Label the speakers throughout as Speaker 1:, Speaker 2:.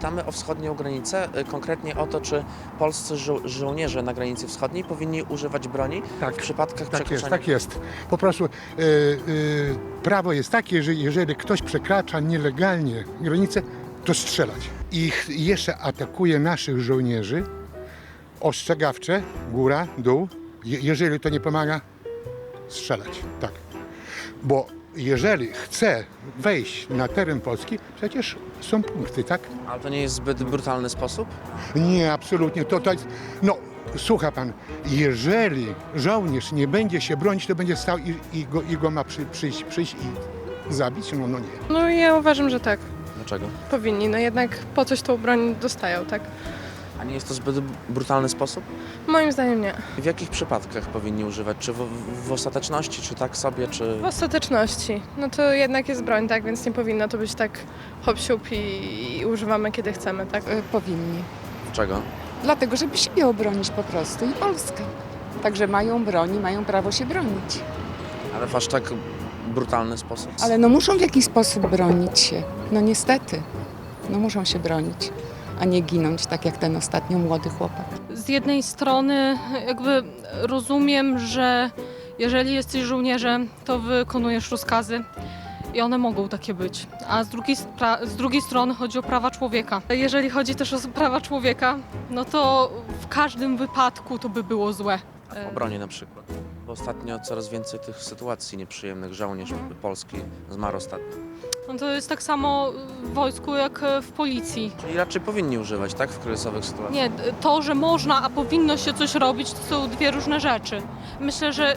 Speaker 1: pytamy o wschodnią granicę, konkretnie o to, czy polscy żołnierze na granicy wschodniej powinni używać broni w przypadkach przekroczenia.
Speaker 2: Tak jest. Po prostu prawo jest takie, że jeżeli ktoś przekracza nielegalnie granicę, to strzelać. I jeszcze atakuje naszych żołnierzy, ostrzegawcze, góra, dół. Jeżeli to nie pomaga, strzelać. Tak. Bo jeżeli chce wejść na teren Polski, przecież są punkty, tak?
Speaker 1: Ale to nie jest zbyt brutalny sposób?
Speaker 2: Nie, absolutnie. To jest, no, słucha pan, jeżeli żołnierz nie będzie się bronić, to będzie stał i go ma przyjść i zabić? No nie.
Speaker 3: No ja uważam, że tak.
Speaker 1: Dlaczego?
Speaker 3: Powinni. No jednak po coś tą broń dostają, tak?
Speaker 1: A nie jest to zbyt brutalny sposób?
Speaker 3: Moim zdaniem nie.
Speaker 1: W jakich przypadkach powinni używać? Czy w ostateczności, czy tak sobie, czy...
Speaker 3: W ostateczności. No to jednak jest broń, tak? Więc nie powinno to być tak hop-siup i używamy kiedy chcemy, tak?
Speaker 4: Powinni.
Speaker 1: Czego?
Speaker 4: Dlatego, żeby siebie obronić po prostu i Polskę. Także mają broń i mają prawo się bronić.
Speaker 1: Ale w aż tak brutalny sposób?
Speaker 4: Ale no muszą w jakiś sposób bronić się. No niestety. No muszą się bronić, a nie ginąć, tak jak ten ostatnio młody chłopak.
Speaker 5: Z jednej strony jakby rozumiem, że jeżeli jesteś żołnierzem, to wykonujesz rozkazy i one mogą takie być. A z drugiej strony chodzi o prawa człowieka. Jeżeli chodzi też o prawa człowieka, no to w każdym wypadku to by było złe.
Speaker 1: W obronie na przykład. Bo ostatnio coraz więcej tych sytuacji nieprzyjemnych. Żołnierz polski zmarł ostatnio.
Speaker 5: No to jest tak samo w wojsku jak w policji.
Speaker 1: Czyli raczej powinni używać, tak? W kryzysowych sytuacjach.
Speaker 5: Nie, to, że można, a powinno się coś robić, to są dwie różne rzeczy. Myślę, że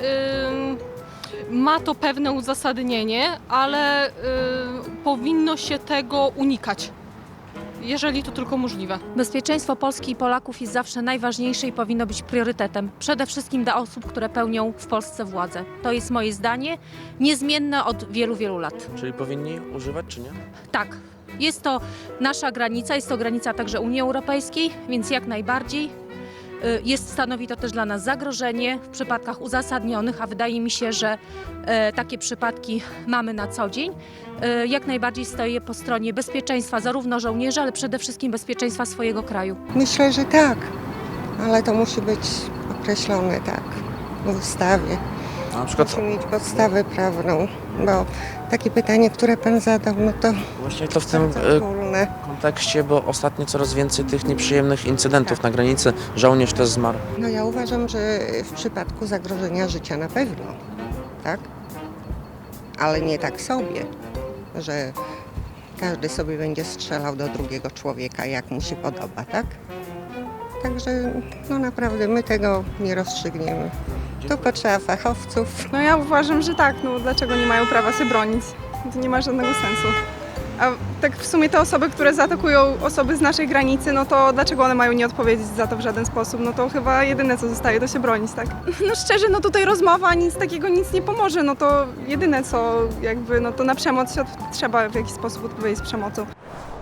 Speaker 5: ma to pewne uzasadnienie, ale powinno się tego unikać, jeżeli to tylko możliwe.
Speaker 6: Bezpieczeństwo Polski i Polaków jest zawsze najważniejsze i powinno być priorytetem. Przede wszystkim dla osób, które pełnią w Polsce władzę. To jest moje zdanie, niezmienne od wielu, wielu lat.
Speaker 1: Czyli powinni używać, czy nie?
Speaker 6: Tak, jest to nasza granica, jest to granica także Unii Europejskiej, więc jak najbardziej. Stanowi to też dla nas zagrożenie w przypadkach uzasadnionych, a wydaje mi się, że takie przypadki mamy na co dzień. Jak najbardziej stoję po stronie bezpieczeństwa zarówno żołnierzy, ale przede wszystkim bezpieczeństwa swojego kraju.
Speaker 7: Myślę, że tak, ale to musi być określone tak w ustawie.
Speaker 1: A na przykład
Speaker 7: Musi mieć podstawę prawną, bo takie pytanie, które pan zadał, no to
Speaker 1: właśnie to w tym
Speaker 7: ogólne.
Speaker 1: kontekście, bo ostatnio coraz więcej tych nieprzyjemnych incydentów na granicy. Żołnierz też zmarł.
Speaker 7: No ja uważam, że w przypadku zagrożenia życia na pewno, tak? Ale nie tak sobie, że każdy sobie będzie strzelał do drugiego człowieka, jak mu się podoba, tak? Także no naprawdę my tego nie rozstrzygniemy. Tu potrzeba fachowców.
Speaker 8: No ja uważam, że tak, no dlaczego nie mają prawa się bronić? To nie ma żadnego sensu. A tak w sumie te osoby, które zaatakują osoby z naszej granicy, no to dlaczego one mają nie odpowiedzieć za to w żaden sposób? No to chyba jedyne co zostaje to się bronić, tak? No szczerze, no tutaj rozmowa nic takiego nic nie pomoże, no to jedyne co jakby, no to na przemoc trzeba w jakiś sposób odpowiedzieć z przemocą.